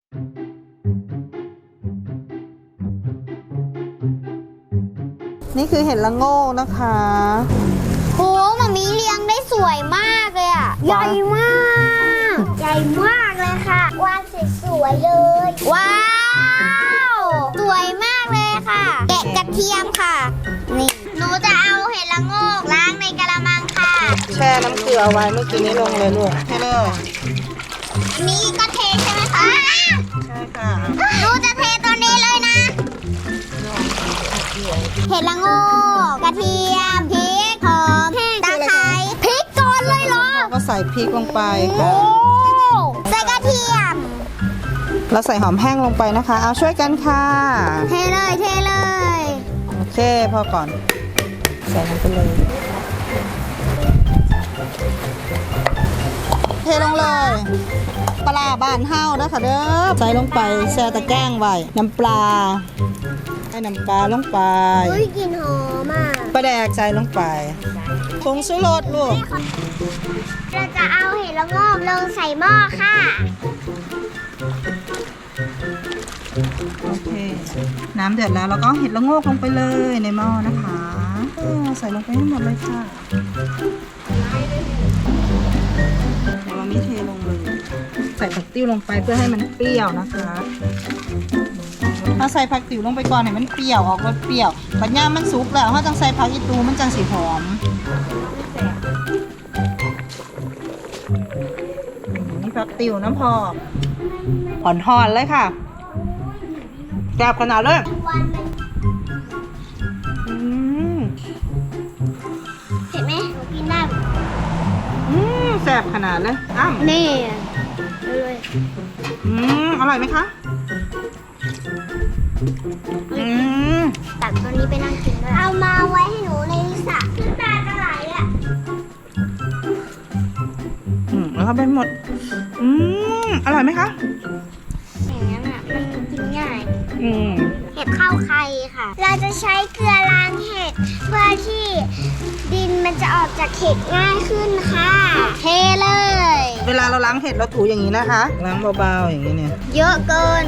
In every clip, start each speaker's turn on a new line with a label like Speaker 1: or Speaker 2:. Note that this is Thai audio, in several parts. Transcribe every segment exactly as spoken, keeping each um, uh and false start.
Speaker 1: นี่คือเห็ดละโงกนะคะ
Speaker 2: โหมามีเลี้ยงได้สวยมากเลยอ่ะใหญ่มากใหญ่มากเลยค่ะวางสวยๆเลยว้าวสวยมากเลยค่ะแกะกระเทียมค่ะนี่หนูจะเอาเห็ดละโงกล้างในกระมังค่ะ
Speaker 1: แช่น้ำเกลือไว้เมื่อกี้นี้ลงเลยลูกให้เลย
Speaker 2: นี่ก็เทใช่ไหมคะ
Speaker 1: ใช่ค่ะ
Speaker 2: หนูจะเทตัวนี้เลยนะเห็ดละโงกกระเทียมพริกหอมตะไคร้พริกก่อนเลยเหรอ
Speaker 1: ก็ใส่พริกลงไปค่ะ
Speaker 2: ใส่กระเทียม
Speaker 1: เราใส่หอมแห้งลงไปนะคะเอาช่วยกันค่ะ
Speaker 2: เทเลยเทเลย
Speaker 1: โอเคพอก่อนใส่ลงไปเลยเทลงเลยปลาบ้านเฮานะคะเด้อใส่ลงไปแช่ตะแกรงไว้น้ำปลาให้น้ำปลาลงไป
Speaker 2: อุ้ยกลิ่นหอมอ่ะ
Speaker 1: ปลาแดกใส่ลงไปผงชูรสลูก
Speaker 2: เราจะเอาเห็ดละโงกลงใส่หม้อค่ะ
Speaker 1: โอเคน้ำเดือดแล้วเราก็เห็ดละโงกลงไปเลยในหม้อนะคะใส่ลงไปให้หมดเลยค่ะเดี๋ยวเรามีเทลงเลยใส่ผักติ้วลงไปเพื่อให้มันเปรี้ยวนะคะถ้าใส่ผักติ๋วลงไปก่อนให้มันเปรี้ยวออกรสเปรี้ยวปัญญามันสุกแล้วถ้าจังใส่ผักอีตูมันจังสีหอมนี่ผักติ๋วน้ำพอกอ่อนหอนเลยค่ะแซ่บขนาดเลยอืม
Speaker 2: เห็นไหมกินได้
Speaker 1: อืมแซ่บขนาดเลยอ้าว
Speaker 2: นี่เลย
Speaker 1: อืมอร่อยไหมคะอืม
Speaker 2: ตักตัวนี้ไปนั่งกินด้วยเอามาไว้ให้หนูในสระตาจะไหลอ่ะ
Speaker 1: อืมแล้วก็เป็นหมดอืมอร่อยไหมคะ
Speaker 2: อย่างนั้นอ่ะมันกินง่าย
Speaker 1: อืม
Speaker 2: เห็ดข้าวไข่ค่ะเราจะใช้เกลือล้างเห็ดเพื่อที่ดินมันจะออกจากเห็ดง่ายขึ้นค่ะเทเลย
Speaker 1: เวลาเราล้างเห็ดเราถูอย่างนี้นะคะล้างเบาๆอย่างนี้เนี่ย
Speaker 2: เยอะเกิน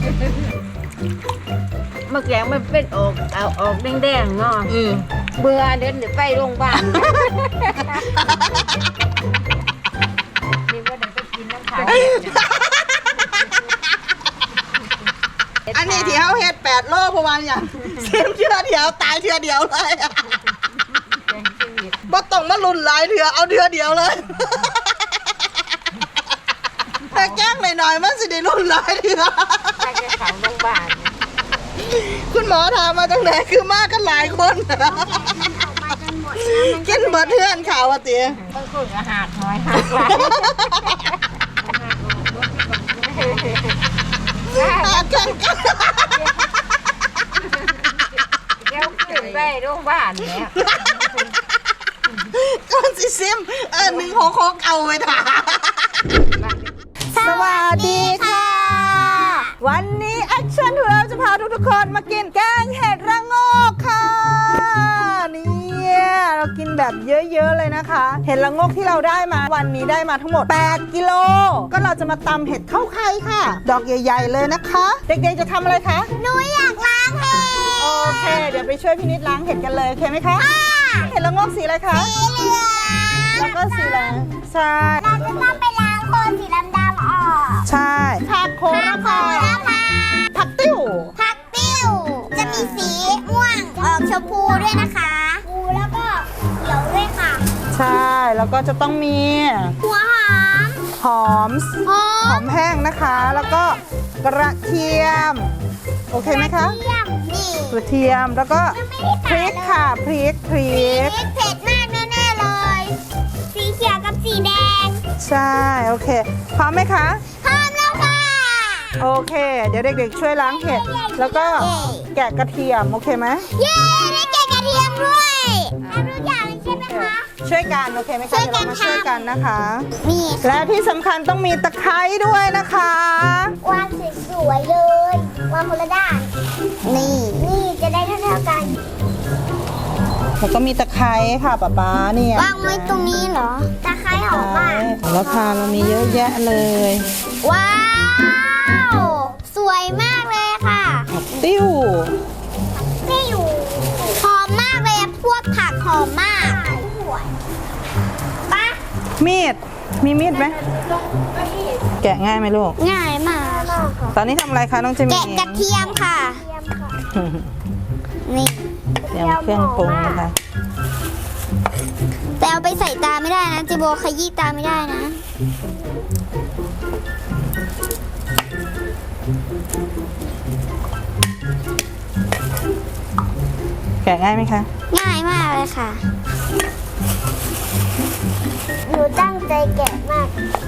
Speaker 3: เมื่อแกงมันเป็นออกเอาออกแดงๆเนาะ
Speaker 1: อือ
Speaker 3: เบื่อเดินเดี๋ยวไปโรงพยาบาลนี่ว่าเดี๋ยวไปกินน้ำขาว
Speaker 1: อันนี้ที่เขาเห็ดแปดโลประมาณอย่างเสียมเชื่อเดียวตายเชื่อเดียวเลยบ่ต้องมาลุนหลายเถื่อเอาเถื่อเดียวเลยแต่แกล้งหน่อยๆมันสิได้ลุนหลายเถื่อ
Speaker 3: ไปเขาโรงพยาบาล
Speaker 1: คุณหมอถามมาตั้งแต่คือมากันหลายคนกินเบิดเพื่อนข่าวว่าเตี๋ย
Speaker 3: ต้องคุยอาหารน้อยหักหลาย
Speaker 1: หักกันกัน
Speaker 3: เดี๋ยวขึ้นไปโรงพยาบาลเนี่ย
Speaker 1: ก่อนสิซิมเออหนึ่งหกหกเอาไว้ถ่าสวัสดีค่ะวันนี้แอคชั่นของเราจะพาทุกๆคนมากินแกงเห็ดระโงกค่ะเนี่ยเรากินแบบเยอะๆเลยนะคะเห็ดระโงกที่เราได้มาวันนี้ได้มาทั้งหมดแปดกิโลก็เราจะมาตำเห็ดเข้าไข่ค่ะดอกใหญ่ๆเลยนะคะเด็กๆจะทำอะไรคะ
Speaker 2: หนูอยากล้างเห็ด
Speaker 1: โอเคเดี๋ยวไปช่วยพี่นิดล้างเห็ดกันเลยโอเคไหมคะเห็ดระโงกสีอะไรคะ
Speaker 2: สีเหลือง
Speaker 1: แล้วก็สีอะไรใช่
Speaker 2: เราจะต้องไปล้างโคนสีดำๆออก
Speaker 1: ใช่ผักโหระพาผักติ้ว
Speaker 2: ผักติ้วจะมีสีม่วงออกชมพูด้วยนะคะชมพูแล้วก็เขียวด้วยค่ะ
Speaker 1: ใช่แล้วก็จะต้องมี
Speaker 2: หัวหอม
Speaker 1: หอมหอมแห้งนะคะแล้วก็กระเทียมโอเคไหมคะกระเทียมแล้วก็พริกค่ะพริกพริก
Speaker 2: เผ็ดมากแน่ๆเลยสีเขียวกับสีแดง
Speaker 1: ใช่โอเคพร้อมไหมคะ
Speaker 2: พร้อมแล้วค่ะ
Speaker 1: โอเคเดี๋ยวเด็กๆช่วยล้างเห็ดแล้วก็แกะกระเทียมโอเคไหม
Speaker 2: เย้ได้แกะกระเทียมด้วยทำทุกอย่างใช่ไหมคะ
Speaker 1: ช่วยกันโอเคไหมคะเดี๋ยวเรามาช่วยกันนะคะ
Speaker 2: นี่
Speaker 1: และที่สำคัญต้องมีตะไคร้ด้วยนะคะ
Speaker 2: วางสวยๆเลยวางคนละด้านนี่นี่จะได้เท่าๆกัน
Speaker 1: แล้วก็มีตะไคร้ค่ะป๊าป๊าเนี่ยว
Speaker 2: างไว้ตรงนี้เหรอตะไคร้หอมมาก
Speaker 1: แล้วค่ะเรามีเยอะแยะเลย
Speaker 2: ว้าว
Speaker 1: มีดมีมีดไหมแกะง่ายไหมลูก
Speaker 2: ง่ายมากค่ะ
Speaker 1: ตอนนี้ทำอะไรคะน้องเจมิ
Speaker 2: แกะกระเทียมค่ะ นี่
Speaker 1: เตรียมเครื่องปรุงนะคะ
Speaker 2: แต่เอาไปใส่ตาไม่ได้นะจิโบขยี้ตาไม่ได้นะ
Speaker 1: แกะง่ายไหมคะ
Speaker 2: ง่ายมากเลยค่ะ หนูตั้งใจแกะมาก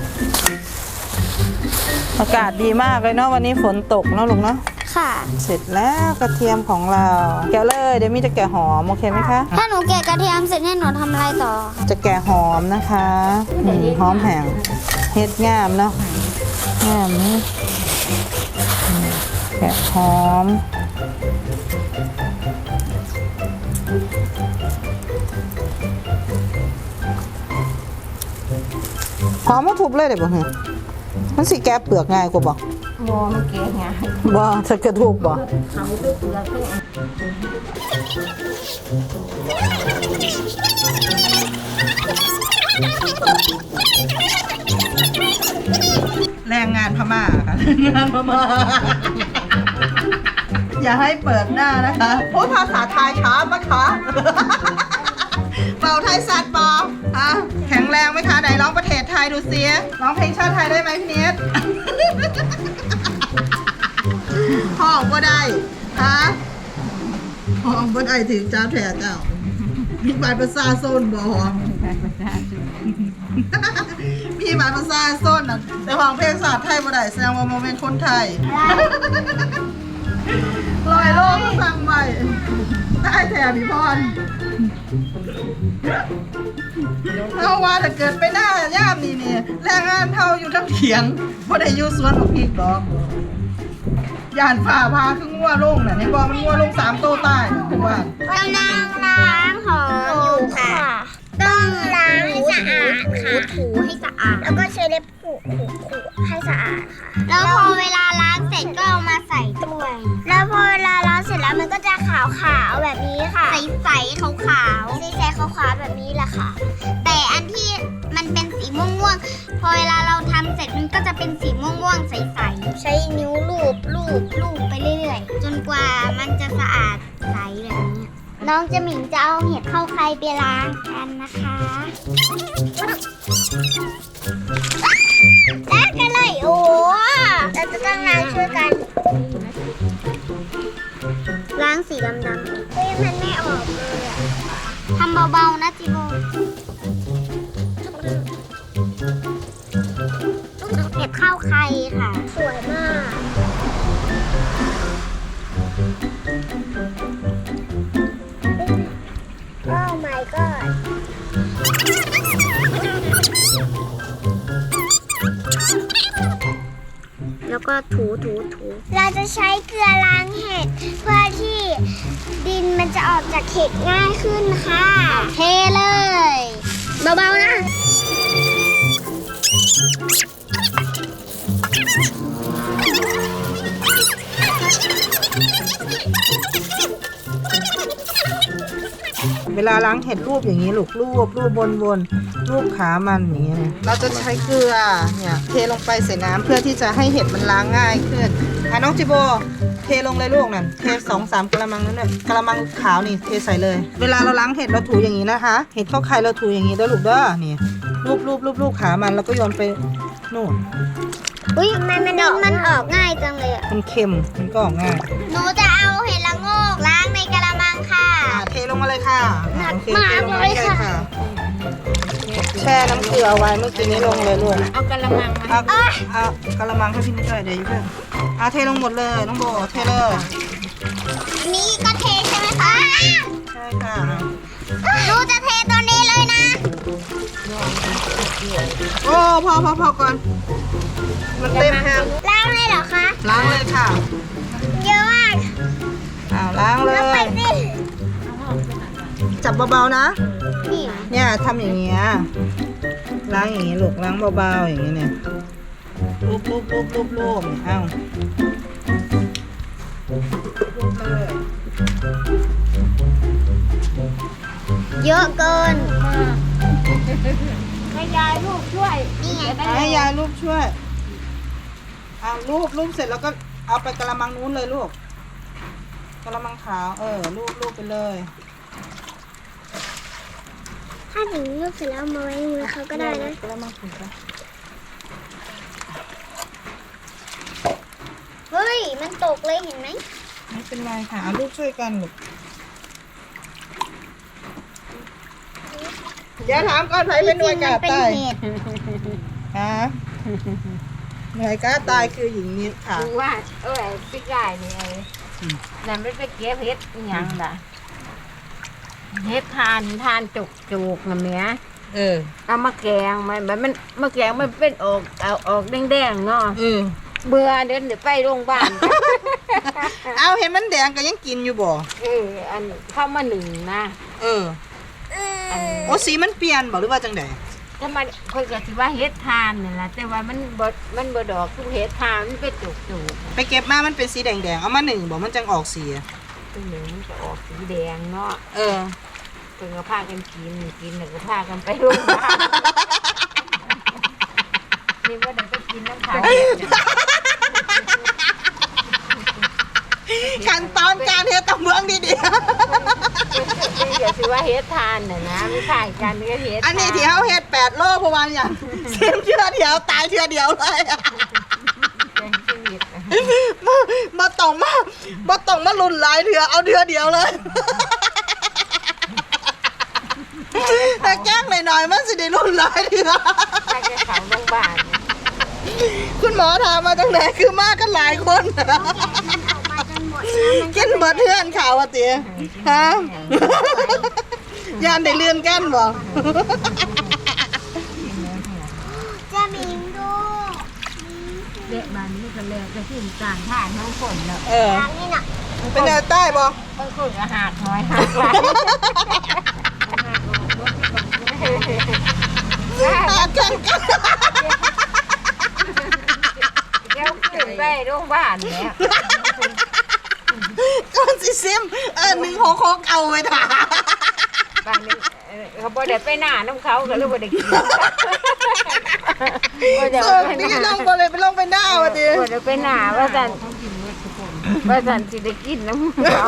Speaker 1: อากาศดีมากเลยเนาะวันนี้ฝนตกเนาะลูกเนาะ
Speaker 2: ค่ะ
Speaker 1: เสร็จแล้วกระเทียมของเรา แกะเลยเดี๋ยวมี่จะแกะหอมโอเคไหมคะ
Speaker 2: ถ้าหนูแกะกระเทียมเสร็จให้หนูทำอะไรต่อ
Speaker 1: จะแกะหอมนะคะอืมหอมแห้งเฮ็ดงามเนาะงามนี่อืมแกะหอมหอมมาทุบเลยเดี๋ยวบอกเหรอมันสิแกะเปลือกง่ายกว่าบอก
Speaker 3: โมมันเก๋ไง
Speaker 1: บ่ถ้าเกิดทุบบ่
Speaker 3: เขาด้วยเปลือกด้วย
Speaker 1: แรงงานพม่าค่ะแรงงานพม่า อย่าให้เปิดหน้านะคะโอ้ภาษาไทยช้าปะคะเป่าไทยสัตว์ปอฮะแข็งแรงไหมคะไหนร้องประเทศไทยดูเสียร้องเพลงชาติไทยได้ไหมพี่เนท ห้องก็ได้ฮะห้องก็ได้ถึงเจ้าแถวเจ้ามีบัตรประชาชนบ่ห้อง มีบัตรประชาชนน่ะแต่ห้องเพลงศาสตร์ไทยบ่ได้แสดงว่าโมเมนต์คนไทยลอยโลกมาฟังใหม่ได้แถวพี่พรเอาว่าถ้าเกิดไปหน้าย่ามนี่นี่แรงงานเท่าอยู่ทั้งเถียงบ่ได้อยู่สวนของพี่ดอกย่านฝ่าพาคืองัวลงน่ะนี่บอกมันงัวลงสามโตใต้น่ะคือว่าก
Speaker 2: ำลังล้างหอมอยู่ค่ะ ต้องล้างให้สะอาดค่ะถูให้สะอาด แล้วก็ใช้เล็บขูดขูดขูดให้สะอาดค่ะ แล้วพอเวลาล้างเสร็จก็เอามาใส่ถ้วย แล้วพอเวลาล้างเสร็จแล้วมันก็จะขาวขาวๆแบบนี้ค่ะ ใสใสขาวขาวใสใสขาวขาวๆแบบนี้แหละค่ะ แต่อันที่มันเป็นสีม่วงม่วงๆพอเวลาเราทำเสร็จมันก็จะเป็นสีม่วงม่วงๆใสใสใช้นิ้วลูบลูบลูบไปเรื่อยๆ จนกว่ามันจะสะอาดใสแบบนี้ น้องจะหมิงจะเอาเห็ดเข้าใครไปล้างกันนะคะล้างกันเลยโอ้เราจะต้องล้างช่วยกัน ล้างสีดำๆเฮ้ยมันไม่ออกเลยอะทำเบาๆนะจิโบเห็ดเข้าใครค่ะ สวยมาก โอ้ my god แล้วก็ถูถูถูเราจะใช้เกลือล้างเห็ดเพื่อที่ดินมันจะออกจากเห็ดง่ายขึ้นค่ะเทเลย เบาๆนะ
Speaker 1: เวลาล้างเห็ดรูปอย่างนี้ลูกรูปรูปบนบนรูปขามันอย่างนี้เนี่ยเราจะใช้เกลือเนี่ยเทลงไปใส่น้ำเพื่อที่จะให้เห็ดมันล้างง่ายขึ้นอ่ะน้องจิโบเทลงเลยลูกนั่นเทสองสามกระมังนั่นเลยกระมังขาวนี่เทใส่เลย เวลาเราล้างเห็ดเราถูอย่างนี้นะคะเห็ดเข้าไข่เราถูอย่างนี้ด้วยลูกเด้อนี่รูปรูปรูปรูปขามันแล้วก็โยนไปนู่น
Speaker 2: อุ้ยทำไมมันมันออกง่ายจังเลยอะ
Speaker 1: มันเค็มมันก็ออกง่าย
Speaker 2: หนูจะเอาเห็ดละโงกล้างในกระมังค่ะ
Speaker 1: อ่ะเทลงมาเลยค่ะอ่ะโอเค
Speaker 2: หนัก
Speaker 1: เทลง
Speaker 2: มาก
Speaker 1: มา
Speaker 2: เลย
Speaker 1: เลย
Speaker 2: ค่ะ
Speaker 1: ค่ะแช่น้ำเกลือไว้เมื่อกี้นี้ลงเลยลูก
Speaker 3: เอากระมังมา
Speaker 1: เอาเอากระมังให้พี่นิดหน่อยเดี๋ยวอยู่เพื่อนเอาเทลงหมดเลยน้องโบเทเลย
Speaker 2: นี่ก็เทใช่ไหมคะ
Speaker 1: ใช่ค่ะ
Speaker 2: หนูจะเทตัวนี้เลยนะ
Speaker 1: โอ้พอพอพอก่อนมันเต็มแฮม
Speaker 2: ล้างเลยเหรอคะ
Speaker 1: ล้างเลยค่ะ
Speaker 2: เยอะมาก
Speaker 1: อ้าวล้างเล
Speaker 2: แล้วไป
Speaker 1: ย
Speaker 2: สิ
Speaker 1: จับเบาๆนะ
Speaker 2: นี่เหรอ
Speaker 1: เนี่ยทำอย่างเงี้ยล้างอย่างงี้ลูกล้างเบาๆอย่างงี้เนี่ยลูบลูบลูบลูบลูบเนี่ยเอ้าลูบเลย
Speaker 2: เยอะเกินขยายรูไง
Speaker 1: ให้ยายรูปช่วยเอารูปรูปเสร็จแล้วก็เอาไปกระมังนู้นเลยลูกกระมังขาวเออรูปรูปไปเลย
Speaker 2: ถ้าถึงรูปเสร็จแล้วมาไว้ในมือเขาก็ได้นะ
Speaker 1: กระมังถูกปะ
Speaker 2: เฮ้ยมันตกเลยเห็นไหม
Speaker 1: ไม่เป็นไรค่ะเอารูปช่วยกันลูกเดี๋ยวถามก่อนใครเป็นหน่วยกา
Speaker 2: เป็น
Speaker 1: ตาย
Speaker 2: เห็ด
Speaker 1: ฮะหน่วยกาตายคือหญิงนิดค่ะ
Speaker 3: คือว่าเอ้ยพี่กายนี่ไอ้นั่นไม่ไปเก็บเฮ็ดอหยังล่ะเฮ็ดทานทานจุกจุกน่ะเมีย
Speaker 1: เออ
Speaker 3: เอามาแกงมันมันมันมาแกงมันเป็นออกเอาออกแดงๆเนาะ
Speaker 1: เออ
Speaker 3: เบื่อเดินเดี๋ยวไปโรงพยาบาล
Speaker 1: เอาเห็นมันแดงก็ยังกินอยู่บ่
Speaker 3: เอออันเข้ามาหนึ่งนะ
Speaker 1: เออ
Speaker 3: อัน
Speaker 1: โอ้สีมันเปลี่ยนบ่หรือว่าจังได
Speaker 3: ถ้ามันเพิ่นก็สิว่าเฮ็ดทานนี่ล่ะแต่ว่ามันบ่มันบ่ดอกคือเฮ็ดทานมันเป็นจุกจุก
Speaker 1: ไปเก็บมามันเป็นสีแดงๆเอามาหนึ่งบ่มันจังออกสีอะ
Speaker 3: ตัวหนึ่งมันก็ออกสีแดงเนาะ
Speaker 1: เออ
Speaker 3: เพิ่นก็พากันกินกินแล้วก็พากันไปโรงพยาบาลนี่ว่าได้ไปกินน้ำเขาเนี่ย
Speaker 1: ขั้นตอนการเฮ็ดต้องเมืองดี
Speaker 3: เดี๋ยวสิว่าเฮ็ดทานน่ะนะไม่ขายกันก็เฮ็ด
Speaker 1: ๆอันนี้ที่เฮาเฮ็ดแปดโลเพราะว่าอย่างเส้นเทื่อเดียวตายเทื่อเดียวเลย
Speaker 3: เป็นชีวิต
Speaker 1: มามาต้องมามาต้องมาลุ่นหลายเทื่อเอาเทื่อเดียวเลย แต่แกล้งหน่อยๆมันสิได้ลุ่นหลายเทื่อ
Speaker 3: ไปกับเขาโรงพยาบาล
Speaker 1: คุณหมอถามมาจังไหนคือมากันหลายคน
Speaker 2: มันออกมาจนหมดแล้วมัน
Speaker 1: กินเบิดเทื่อนข่าวอ่ะติฮะยานได้เลื่อนกันบ่
Speaker 2: จะมิงดู
Speaker 3: เด็กบ้านนี้ก็เลยจะขึ้นกลางท่าน้องฝนแล้ว
Speaker 1: เออ
Speaker 2: ทางนี้น่ะ
Speaker 1: เป็นแนวใต้บ่
Speaker 3: บางคนก็หักน้อยหักหลาย
Speaker 1: หากันกัน
Speaker 3: เดี๋ยวขึ้นไปโรงพยาบาลแล้ว
Speaker 1: ก่อนสิซิมเออหนึ่งหกหกเอาไว้ถ่า
Speaker 3: บางนี้เออเขาบ่ได้ไปหน้าน้ำเขาก็เลยบ่ได้กินบ่ได้
Speaker 1: เออ
Speaker 3: ไปห
Speaker 1: นี่
Speaker 3: น้า
Speaker 1: ลงบ่เลยไปลงไปหน้าว่ะติ
Speaker 3: บ่ได้ไปหน้าว่าซั่นว่าซั่นสิได้กินน้ำเขา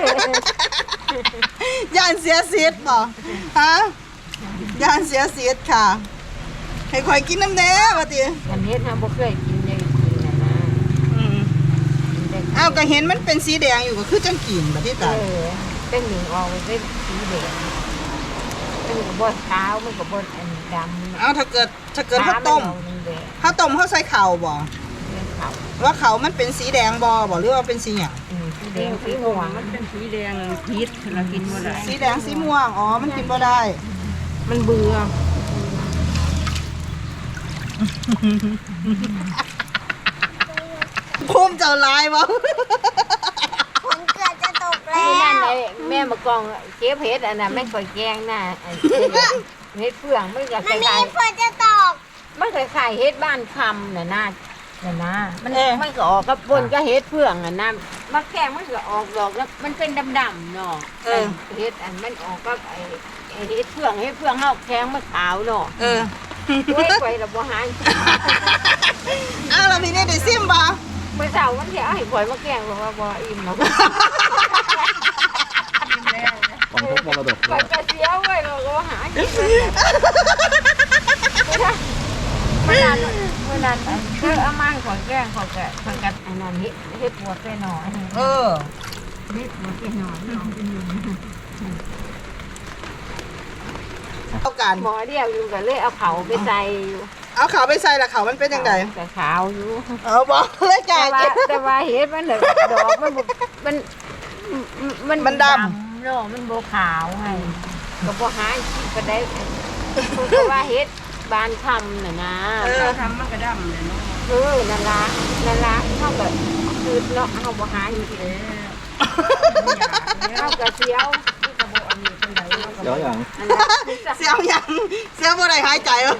Speaker 1: ย่านเสียสิทธิ์บ่ฮะย่านเสียสิทธิ์ค่ะ ให้ข่อยกินน้ำแน่ว่ะติ
Speaker 3: อันเฮ็ดเฮาบ่เคยกินยังกินน่ะนะ
Speaker 1: อืมอ้าวก็เห็นมันเป็นสีแดงอยู่ก็คือจังกินบัดนี้
Speaker 3: เอ
Speaker 1: ตา
Speaker 3: อเป็นหนึ่งออกเป็นสีแดงมันก็บ่ขาวมันก็บ่อันดำ
Speaker 1: เอาถ้าเกิดถ้าเกิดข้าวต้ม
Speaker 3: ขามันแดง
Speaker 1: ข้าวต้มเขาใส่ข้าวบ่
Speaker 3: เป็นขาว
Speaker 1: ว่าเขามันเป็นสีแดงบ่บ่หรือว่าเป็นสีหยัง
Speaker 3: อืมสีแดงสีม่วง
Speaker 4: มันเป็นสีแดงพิษเรากินบ่ได้
Speaker 1: สีแดงสีม่วงอ๋อมันกินบ่ได้
Speaker 3: มันเบื่อ
Speaker 1: ภูมิเจ้าลายบ่
Speaker 2: ฝนเกือบจะตกแล้
Speaker 3: นี่นั่น
Speaker 2: ว
Speaker 3: ไอ้แม่มากองเก็บเห็ดอันน่ะแม่ก่อยแกงน่ะไอ้เห็ดเฟืองมันก็ค
Speaker 2: มันมี
Speaker 3: ล้าย
Speaker 2: ฝนจะตก
Speaker 3: ๆมันคล้ายๆเห็ดบ้านคำน่ะนะน่ะนะมัน
Speaker 1: เออ
Speaker 3: มันก็ออกกับปนก็เห็ดเฟืองอ่ะนะมาแกงมันก็ออกดอกแล้วมันเป็นดำๆเนาะ
Speaker 1: เออ
Speaker 3: เห็ดอันมันออกกับไอ้ไอ้เห็ดเฟืองเห็ดเฟืองเฮาแข็งมันขาวเนาะ
Speaker 1: เออ
Speaker 3: ไว้ไว้ละบ่หาย
Speaker 1: อ้าวแล้วพี่นี่ได้ซิมบ่
Speaker 3: เมื่อเช้ามันสิเอาให้ข่อยมาแกงบอกว่าบ่อิ่มหรอก
Speaker 4: ของพวกมรดก
Speaker 3: ข่อยก็เสียไว้เราก็หากินเมื่อนั้นเมื่อนั้นเออเอามาให้ข่อยแกงข่อยก็ข่อยก็อันนั้นเฮ็ดเฮ็ดปวดไปหน่อย
Speaker 1: เออ
Speaker 3: เฮ็ดปวดไปหน่อย
Speaker 1: เอากัน
Speaker 3: หมอเดียวอยู่ก็เลยเอาเขาไปใส่อยู่
Speaker 1: เอาขาวไปใส่ละขาวมันเป็นจังได
Speaker 3: แต่ขาวอยู่
Speaker 1: เอาบ่เลยจ้า
Speaker 3: แต่ว่าแต่ว่าเฮ็ดมันน่ะดอกมันบ่มันมัน
Speaker 1: มันดำ
Speaker 3: เนาะมันบ่ขาวให้ก็บ่หากินปานใดเพราะว่าเฮ็ดบานคำน่ะนะ
Speaker 1: เออ
Speaker 4: ทำมันก็ดำเลยเนาะ
Speaker 3: เออนั่นละนั่นละเขาแบบคือเนาะเขาบ่หาอยู่ที่
Speaker 4: เอ๊ะ
Speaker 3: เขาก็เสียวที่กระบอกอันนี้เป็นไรเขาก็
Speaker 4: เดี๋ยวอย่าง
Speaker 3: นั่นละ
Speaker 1: เสียวหยังเสียวบ่ได้หายใจบ่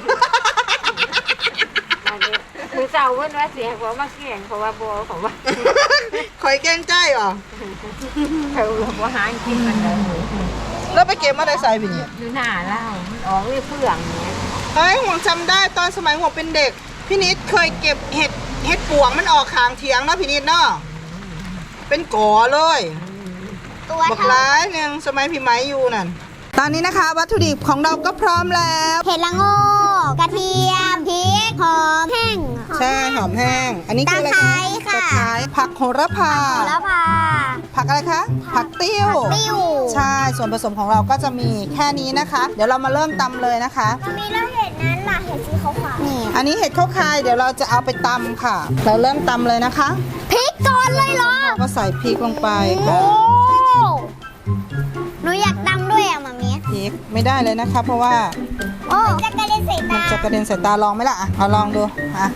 Speaker 3: อันนี้คือเจ้าเพิ่นว่าเสียเพราะว่าเกี่ยงเพราะว่าบ่เขาว่า
Speaker 1: ข่อยแกล้งใจบ่
Speaker 3: เขาบ่หากินมันเลย
Speaker 1: แล้วไปเก็บมาได้ใส่พี่นี่
Speaker 3: อยู่หน้าเล่ามันออกเลยเฟื่องเนี่ย
Speaker 1: เฮ้ยห่วงจำได้ตอนสมัยห่วงเป็นเด็กพี่นิดเคยเก็บเห็ดเห็ดปวงมันออกขางเถียงนะพี่นิดเนาะเป็นก่อเลย
Speaker 2: ตัว
Speaker 1: บัก
Speaker 2: เท่า
Speaker 1: ร้ายหนึ่งสมัยพี่ไม้อยู่นั่นตอนนี้นะคะวัตถุดิบของเราก็พร้อมแล้ว
Speaker 2: เห็ดละโงกกระเทียมพริกหอมแห้ง
Speaker 1: ใช่หอมแห้ง อันนี้คืออะไร
Speaker 2: ตะไคร้
Speaker 1: คะ
Speaker 2: ค่ะ
Speaker 1: ตะไคร้ผักโหระพา
Speaker 2: แล้วพา
Speaker 1: ผักอะไรคะผักติ้ว
Speaker 2: ผักติ้ว
Speaker 1: ใช่ส่วนผสมของเราก็จะมีแค่นี้นะคะ เดี๋ยวเรามาเริ่มตำเลยนะคะ
Speaker 2: มันมีแล้วเห็ดนั้นล่ะเห็ดสีขาวๆนี่
Speaker 1: อันนี้เห็ดข้าวคายเดี๋ยวเราจะเอาไปตำค่ะ เราเริ่มตำเลยนะคะ
Speaker 2: พริกก่อนเลยเหรอ
Speaker 1: ก็ใส่พริกลงไป
Speaker 2: โอ้
Speaker 1: ค่ะ
Speaker 2: หนูอยากตำด้วยอ่ะมามี
Speaker 1: พริกไม่ได้เลยนะคะ เพราะว่า
Speaker 2: โอ้จะกระเด็นใส่
Speaker 1: มัน
Speaker 2: ตา
Speaker 1: จะกระเด็นใส่ตาลองไหมล่ะอ่ะเอาลองดูอ่ะ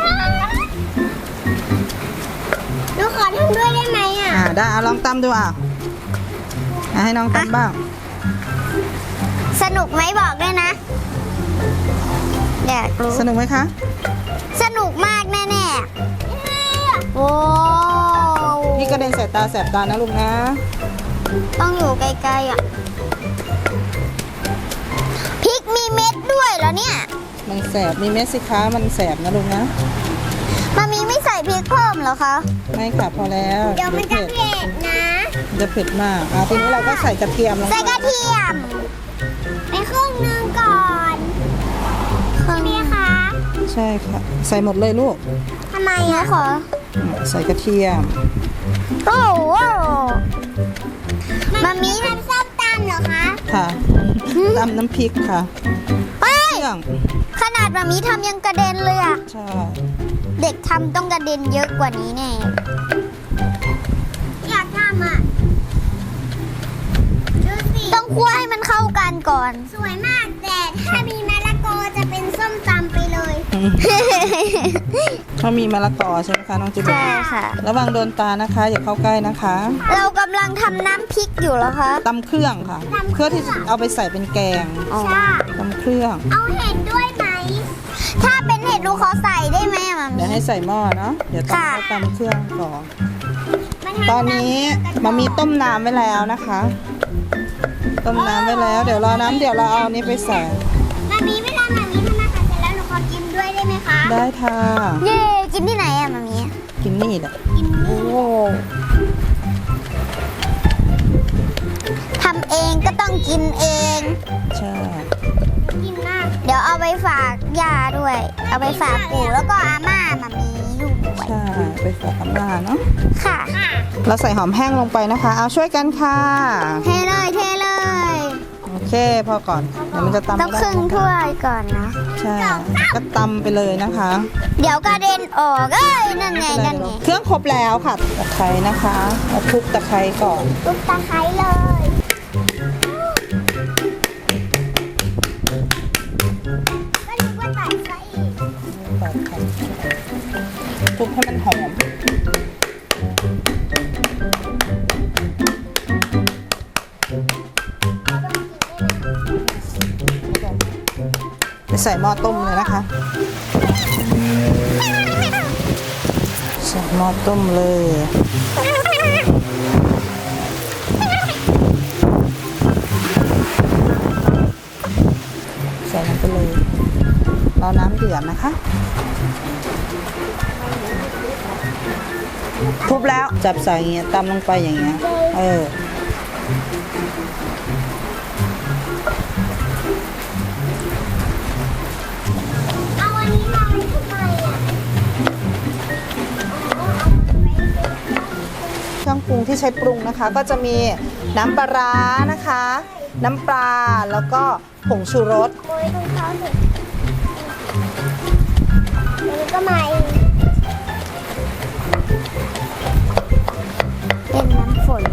Speaker 2: หนูขอทำด้วยได้ไหมอ่ะ
Speaker 1: อ่าได้เอาลองตำดูอ่ะอ่ะให้น้องตำบ้าง
Speaker 2: สนุกไหมบอกด้วยนะอยากรู้
Speaker 1: สนุกไหมคะ
Speaker 2: สนุกมากแน่ๆโอ้
Speaker 1: พี่กระเด็นใส่ตาแสบตานะลูกนะ
Speaker 2: ต้องอยู่ไกลๆอ่ะพริกมีเม็ดด้วยเหรอเนี่ย
Speaker 1: มันแสบมีเม็ดสิคะมันแสบนะลูกนะ
Speaker 2: มามีไม่ใส่พริกเพิ่มเหรอคะ
Speaker 1: ไม่ค่ะพอแล้ว
Speaker 2: เดี๋ยวมันจะเผ็ดนะ
Speaker 1: มันจะเผ็ดมากอ่ะทีนี้เราก็ใส่กระเทียมลงไป
Speaker 2: ใส่กระเทียมไปครึ่งหนึงก่อนครึ่งนี้คะ
Speaker 1: ใช่ค่ะ ใส่หมดเลยลูก
Speaker 2: ทำไมอะขอ
Speaker 1: ใส่กระเทียม
Speaker 2: โอ้โหมามีทำส้มตำเหรอคะ
Speaker 1: ค่ะตำน้ำพริกค่ะ
Speaker 2: เฮ้ย
Speaker 1: เครื่อง
Speaker 2: ขนาดมามีทำยังกระเด็นเลยอะ
Speaker 1: ใช่
Speaker 2: เด็กทำต้องกระเด็นเยอะกว่านี้แน่อยากทำอะดูสิต้องคั่วให้มันเข้ากันก่อน สวยมากแต่ถ้ามีมะละกอจะเป็นส้มตำไปเลย
Speaker 1: เขามีมะละกอใช่ไหมคะน้องจิ๊บ
Speaker 2: ใช่ค่ะ
Speaker 1: ระวังโดนตานะคะ อย่าเข้าใกล้นะคะ
Speaker 2: เรากำลังทำน้ำพริกอยู่เหรอคะ
Speaker 1: ตำเครื่องค่ะ เพื่อที่จะเอาไปใส่เป็นแกง
Speaker 2: ใช่
Speaker 1: ตำเครื่อง
Speaker 2: เอาเห็ดด้วยไหม ถ้าเป็นเห็ดหนูขอใส่ได้ไหมอะมามี
Speaker 1: เดี๋ยวให้ใส่หม้อเนาะเดี๋ยวต้อง
Speaker 2: ค่ะ
Speaker 1: เอาตำเครื่องก่อนตอนนี้มามีต้มน้ำไว้แล้วนะคะ ต้มน้ำไว้แล้ว เดี๋ยวรอน้ำเดี๋ยวเราเอาอันนี้ไปใส่
Speaker 2: มามีเวลามามีทำอาหารเสร็จแล้วหนูขอกินด้วยได้ไหมคะ
Speaker 1: ได้ค่ะ
Speaker 2: เย่กินที่ไหนอะมามี
Speaker 1: กินนี่แหละ
Speaker 2: กิน
Speaker 1: โอ้โห
Speaker 2: ทำเองก็ต้องกินเอง
Speaker 1: ใช่
Speaker 2: กินมาก เดี๋ยวเอาไปฝากย่าด้วย เอาไปฝากปู่แล้วก็อาม่ามามีลูกด้วย
Speaker 1: ใช่ไปฝากอาม่าเนาะ
Speaker 2: ค่ะ
Speaker 1: เราใส่หอมแห้งลงไปนะคะ เอาช่วยกันค่ะ
Speaker 2: เทเลยเทเลย
Speaker 1: โอเคพอก่อนเดี๋ยวมันจะตำ
Speaker 2: ต้อง
Speaker 1: ไม่
Speaker 2: ค
Speaker 1: ได้
Speaker 2: รึ่งถ้วยก่อนนะ
Speaker 1: ใช่ก็ตำไปเลยนะคะ
Speaker 2: เดี๋ยวกระเด็นออกเอ้ยนั่นไงนั่นไง
Speaker 1: เครื่องครบแล้วค่ะตะไคร้นะคะเอาคลุกตะไคร้ก่อน
Speaker 2: ตุ๊กตาไคร้เลยก็นึกว่าใส่ไส้อีก
Speaker 1: ตัดค่ะคลุกให้มันหอมไปใส่หม้อต้มเลยนะคะ ใส่หม้อต้มเลย ใส่ลงไปเลยรอน้ำเดือดนะคะทุบแล้วจับใส่อย่างเงี้ยตำลงไปอย่างเงี้ยเออ
Speaker 2: เอาอันนี้มาไว้ทำไมอ่ะ
Speaker 1: เครื่องปรุงที่ใช้ปรุงนะคะ ก็จะมีน้ำปลาร้านะคะ น้ำปลาแล้วก็ผงชูรส
Speaker 2: โรยตรงเขาสิเดี๋ยวมันก็มาเองเป็นน้ำฝน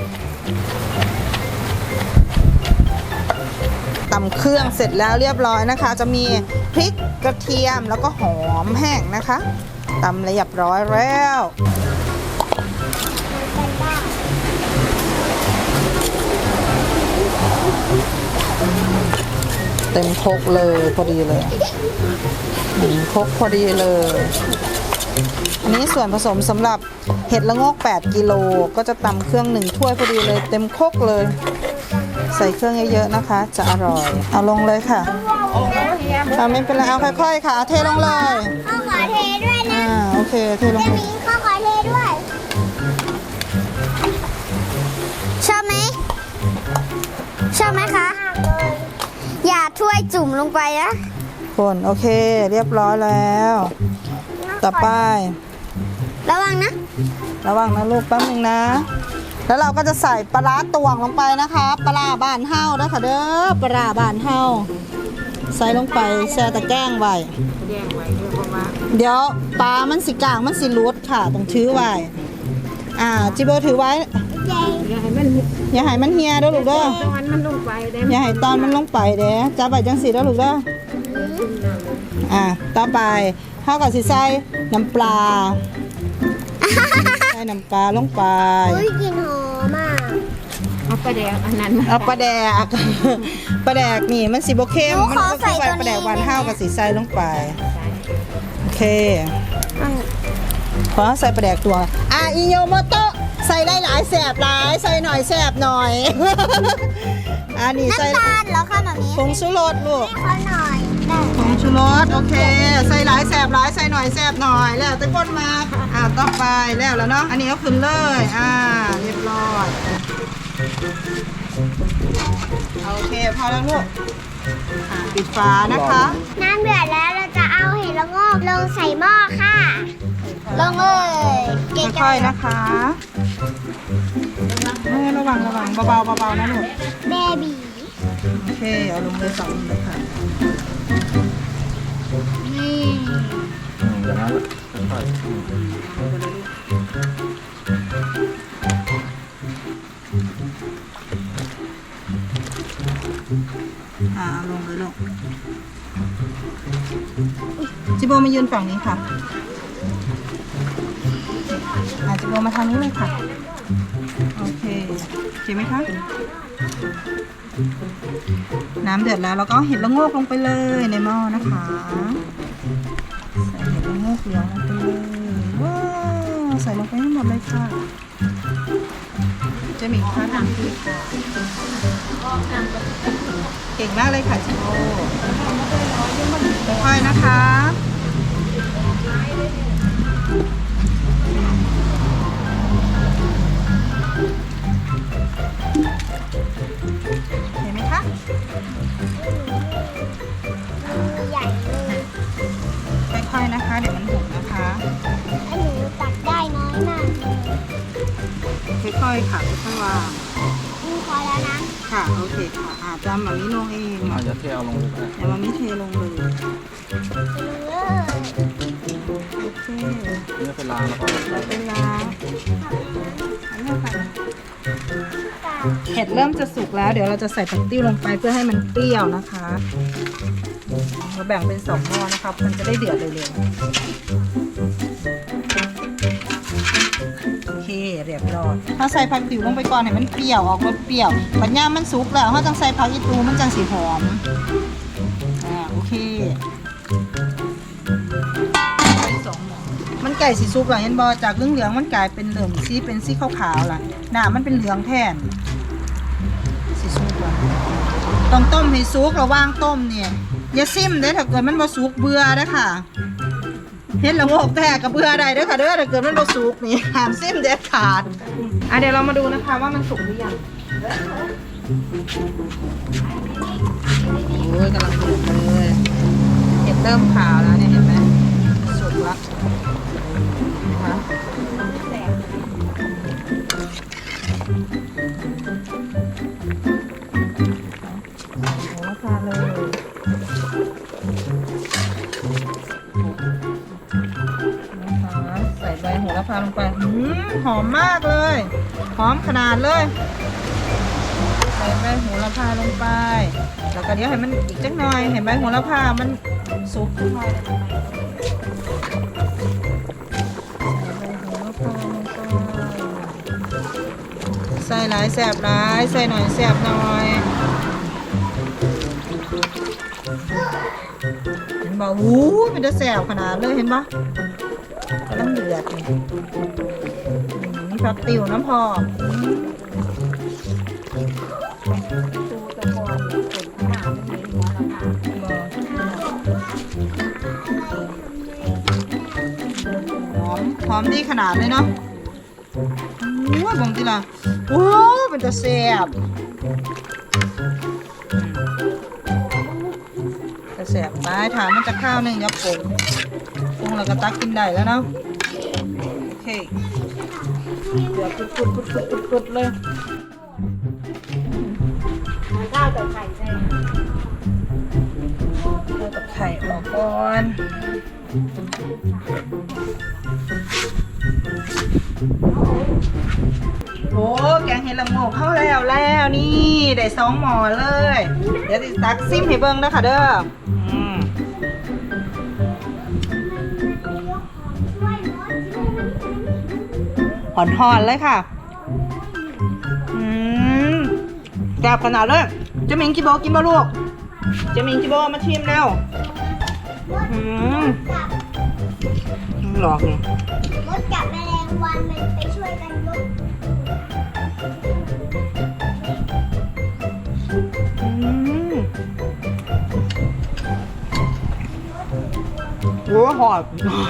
Speaker 1: ตำเครื่องเสร็จแล้วเรียบร้อยนะคะ จะมีพริกกระเทียมแล้วก็หอมแห้งนะคะตำเรียบร้อยแล้ว
Speaker 2: กันบ้าง
Speaker 1: เต็มครกเลยพอดีเลยหนึ่งครกพอดีเลย อันนี้ส่วนผสมสำหรับเห็ดละโงกแปดกิโลก็จะตำเครื่องหนึ่งถ้วยพอดีเลยเต็มครกเลยใส่เครื่องเยอะๆนะคะ จะอร่อย เอาลงเลยค่ะเอาไม่เป็นไรเอาค่อยๆค่ะเอาเทลงเลย
Speaker 2: ข้าวขอเทด้วยนะ
Speaker 1: อ่าโอเคเทลง
Speaker 2: จะ
Speaker 1: เลย
Speaker 2: มีข้าวขอเทด้วยชอบไหมชอบไหมคะ อย่าถ้วยจุ่มลงไปนะ
Speaker 1: คนโอเคเรียบร้อยแล้ว ต่อไประ
Speaker 2: วังนะ
Speaker 1: ระวังนะลูกแป๊บนึงนะ แล้วเราก็จะใส่ปลาร้าตวงลงไปนะคะปลาร้าบ้านเฮาเด้อค่ะเด้อปลาร้าบ้านเฮาใส่ลงไปแช่ตะแกรงไว้
Speaker 3: แย่งไว้เด้อเพราะว่า
Speaker 1: เดี๋ยวปลามันสิกลางมันสิรุดค่ะต้องถือไว้อ่าจิโบถือไว้
Speaker 2: เย้
Speaker 3: อย่าให้มัน
Speaker 1: อย่าให้มันเฮียเด้อลูกเด้อ
Speaker 3: ตอนมันลงไปได้
Speaker 1: อย่าให้ตอนมันลงไปเด้อจับไปจังสีเด้อลูกเด้ออ่าต่อไปเฮาก็สิใส่น้ำปลาใส่น้ำปลาลงไป
Speaker 2: อุ้ยกลิ่นหอมอ่ะ
Speaker 3: เอาไปแดงอันนั้น
Speaker 1: เอาปลาแดก ปลาแดกนี่มันสิบ่เข้มมันก็คือว่าปลาแดกหวานเฮาก็สิใส่ลงไปโอเคพอใส่ปลาแดกตัวอ่ะอิโยโมโตะใส่ได้หลายแสบหลายใส่หน่อยแสบหน่อย อันนี้ใส่
Speaker 2: น้ำตาลเหรอคะแบบนี้
Speaker 1: ผงชูรสลูก
Speaker 2: ให้เขาหน่อยได้
Speaker 1: ผงชูรสโอเค ใส่หลายแสบหลายใส่หน่อยแสบหน่อยแล้วแต่คนมาอ่ะต่อไปแล้วแล้วเนาะอันนี้ก็ขึ้นเลยอ่าเรียบร้อยโอเคพอแล้วลูกอ่ะปิดฝานะคะ
Speaker 2: น้ำเดือดแล้วเราจะเอาเห็ดละโงกลงใส่หม้อค่ะ ลงเลยเก่งจั
Speaker 1: ค่อย
Speaker 2: ง
Speaker 1: ๆนะคะเออระวังระวังเบาๆเบาๆนะลูก
Speaker 2: เบบี
Speaker 1: โอเคเอาลงเลยสองเลยค่ะ
Speaker 2: นี่
Speaker 4: อย่างนั้นค่อย
Speaker 1: อ่าเอาลงเลยลูกจิโบมายืนฝั่งนี้ค่ะอ่าจิโบมาทางนี้เลยค่ะโอเคโอเคไหมคะน้ำเดือดแล้วเราก็เอาเห็ดละโงกลงไปเลยในหม้อนะคะใส่เห็ดละโงกเหลืองลงไปเลยว้าวใส่ลงไปให้หมดเลยค่ะจะมีค่าทำที่เก่งมากเลยค่ะจิโบค่อยๆนะคะเห็นไหมคะ
Speaker 2: ใหญ่เลย
Speaker 1: ค่อยๆนะคะ เดี๋ยวมันหกนะคะ
Speaker 2: ไอ้หนูตักได้น้อยมากเลย
Speaker 1: ค่อยๆค่ะค่อยๆวาง
Speaker 2: อืมพอแล้วนะ
Speaker 1: ค่ะโอเคค่ะอาจจะมามิลงเอง
Speaker 4: ๆอาจจะเทเอาลงไป
Speaker 1: อย่ามามิเทลงเลย
Speaker 2: เลย
Speaker 1: โอเค
Speaker 4: เนื้อเป็นลางแล้วก็
Speaker 1: เราเป็นล้างอันนี้ค่ะเห็ดเริ่มจะสุกแล้ว เดี๋ยวเราจะใส่ผักติ้วลงไปเพื่อให้มันเปรี้ยวนะคะเราแบ่งเป็นสองหม้อนะคะมันจะได้เดือดเร็วๆโอเคเรียบร้อยถ้าใส่ผักติ๋วลงไปก่อนให้มันเปรี้ยวออกรสเปรี้ยวปัญญามันสุกแล้วเขาต้องใส่ผักอีตูมันจังสีหอมอ่าโอเคสองหม้อมันไก่สีสุกแล้วเห็นบอจากเหลืองๆมันกลายเป็นเหลืองสีเป็นสีขาวๆล่ะหน้ามันเป็นเหลืองแทนสีสุกแล้วต้องต้มให้สุกระว่างต้มเนี่ยอย่าซิมเด้อถ้าเกิดมันบ่สุกเบื่อเด้อค่ะเห็นละโงกแตกกับเบื่อได้เด้อค่ะเด้อถ้าเกิดมันบ่สุกนี่ห้ามซิมเด็ดขาดอ่ะเดี๋ยวเรามาดูนะคะว่ามันสุกหรือยังโอ้ยกำลังสุกเลยเห็ดเริ่มขาวแล้วเนี่ยเห็นไหมสุกแล้วนะคะโอ้พาเลยนะคะใส่ใบโหระพาลงไปหืมหอมมากเลยหอมขนาดเลยใส่ใบโหระพาลงไปแล้วก็เดี๋ยวให้มันอีกจักหน่อยเห็นใบโหระพามันสุกขึ้นมาใส่หลายแสบหลายใส่หน่อยแสบหน่อยเห็นบ่วู้มันจะแสบขนาดเลยเห็นปะกำลังเดือดนี่นี่ผักติ๋วน้ำพอมหอมดีขนาดเลยเนาะโอ้ยบงทีละโอ้เป็นตะแซ่บตะแซ่บตายถามมันจะข้าวหนึ่งเดี๋ยวปรุงปรุงแล้วก็ตักกินได้แล้วเนาะโอเคเดี๋ยวปุดปุดปุดปุดปุดปุดเลย
Speaker 3: ข้าวกับไข่ใช่
Speaker 1: เอาตะไคร่ออกก่อนโอ้แกงเห็ดละโงกเข้าแล้วแล้วนี่ได้สองหม้อเลย เดี๋ยวติตักซิมให้เบิ้งนะคะเด้ออืมหอนหอนๆเลยค่ะอืมแซ่บขนาดเลยเจะมิงกิโบกินบ่ลูกเจะมิงกิโบมาชิมแล้วอืมหลอกนี่
Speaker 2: มดกับแมลงวันมันไปช่วยกันยก
Speaker 1: อืมโอ้หอด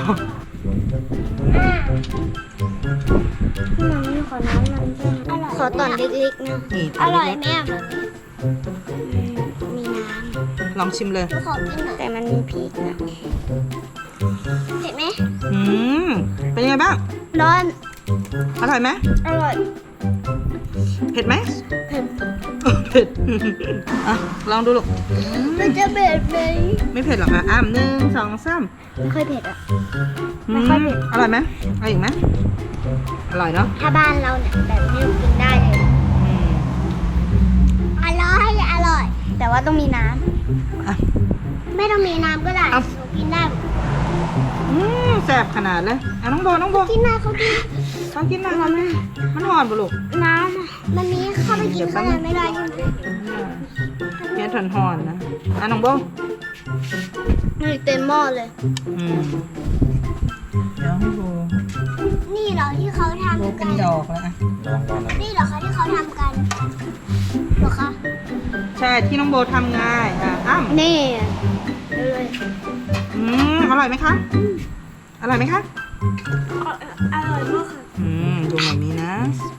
Speaker 2: มันมีขอน้ำมันด้วยอร่อยขอตอนเล็กๆนะ
Speaker 1: นี่
Speaker 2: อร่อยแม่มันมีน้
Speaker 1: ลองชิมเลย
Speaker 2: ำขอกินหน่อยแต่มันมีพริกนะเผ็ดไหม
Speaker 1: อืมเป็นยังไงบ้าง
Speaker 2: ร้อน
Speaker 1: อร่อยไหม
Speaker 2: อร่อย
Speaker 1: เผ็ดไหม
Speaker 2: เผ็ด
Speaker 1: เผ็ด อ่ะ ลองดูลูกอืม
Speaker 2: มันจะเผ็ดไหม
Speaker 1: ไม่เผ็ดหรอกอ่ะอ้ามหนึ่งสองสาม
Speaker 2: ไม่ค่อยเผ็ดอ่ะ
Speaker 1: อื
Speaker 2: ไม่ค่อยเผ็ด
Speaker 1: อร่อยไหมอร่อยอีกไหมอร่อยเนาะ
Speaker 2: ถ้าบ้านเราเนี่ยแบบนี้กินได้เลย
Speaker 1: อืม
Speaker 2: อร่อยอร่อย แต่ว่าต้องมีน้
Speaker 1: อ่ะ
Speaker 2: ำไม่ต้องมีน้ำก็ได้
Speaker 1: เอา
Speaker 2: หนูกินได้
Speaker 1: อืมแซ่บขนาดเลยอ่ะน้องโบน้องโบ
Speaker 2: กินได้เขากิน
Speaker 1: เขากินมาแล้วนะมันหอนปะลูก
Speaker 2: น้ำอะมันมีเข้าไปกินข้างในไม่ได้ใช่ไหม
Speaker 1: เผ็ดหอนๆนะอ่ะน้องโบ
Speaker 2: นี่เต็มหม้อเลย
Speaker 1: อืมเดี๋ยวให้โบ
Speaker 2: นี่เหรอที่เขา
Speaker 1: โบ
Speaker 2: ทำ
Speaker 1: เป็
Speaker 2: กัน น
Speaker 1: ดอกแล้วอ่ะ
Speaker 4: ลองก่อนนะ
Speaker 2: นี่เหรอคะที่เขาทำกันเหรอคะ
Speaker 1: ใช่ที่น้องโบทำไงอ่ะอ้ำ
Speaker 2: นี่เลย
Speaker 1: อืมอร่อยไหมคะอร่อยไหมคะ
Speaker 2: อร่อยมากค่ะ
Speaker 1: อืมดูแบบนี้นะ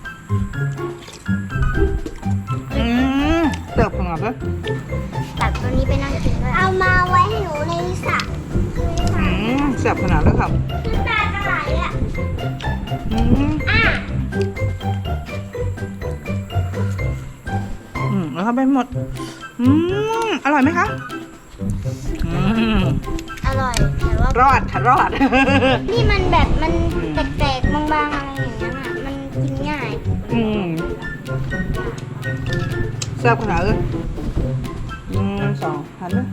Speaker 1: อืมเติบของเราด้วย
Speaker 2: ตัดตัวนี้ไปนั่งกินด้วยเอามาไว้ให้หนูในสระในส
Speaker 1: อื
Speaker 2: ระ
Speaker 1: มแซ่บขนาดเลยครับ
Speaker 2: น้ำตาจะไหลอ่ะ
Speaker 1: อืม
Speaker 2: อ่ะ
Speaker 1: อืมแล้วเข้าไปหมดอืมอร่อยไหมคะอืม
Speaker 2: อร่อยแต่ว่าร
Speaker 1: อดค่ะรอด
Speaker 2: นี่มันแบบมันแตกๆบางๆอะไรอย่างเงี้ยอ่ะมันกินง่าย
Speaker 1: อืมแซ่บขนาดเลยอืมสองหันเลย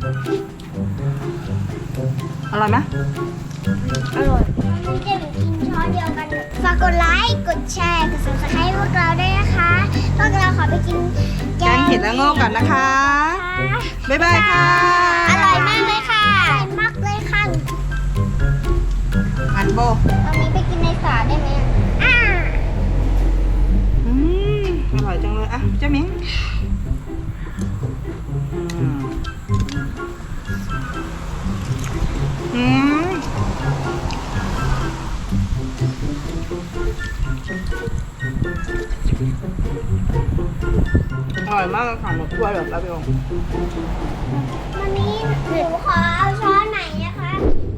Speaker 1: อร่อยไหม
Speaker 2: อร่อยมันจะเป็นกินช้อนเดียวกันฝากกดไลค์กดแชร์กด ซับสไครบ์พวกเราด้วยนะคะพวกเราขอไปกิน
Speaker 1: แกงเห็ดละโง่กันนะคะ บ๊ายบายค่ะ
Speaker 2: อร่อยมากเลยค่ะอร่อยมากเลยค่ะ
Speaker 1: อันโบ
Speaker 2: ตอนนี้ไปกินในสระได้ไหมอ่ะ
Speaker 1: อืมอร่อยจังเลยอ่ะเจ้ามิงอืมอืมอร่อยมากเลยค่ะหมดถ้วยแบบรับรอง
Speaker 2: วันนี้หนูขอเอาช้อนไหนนะคะ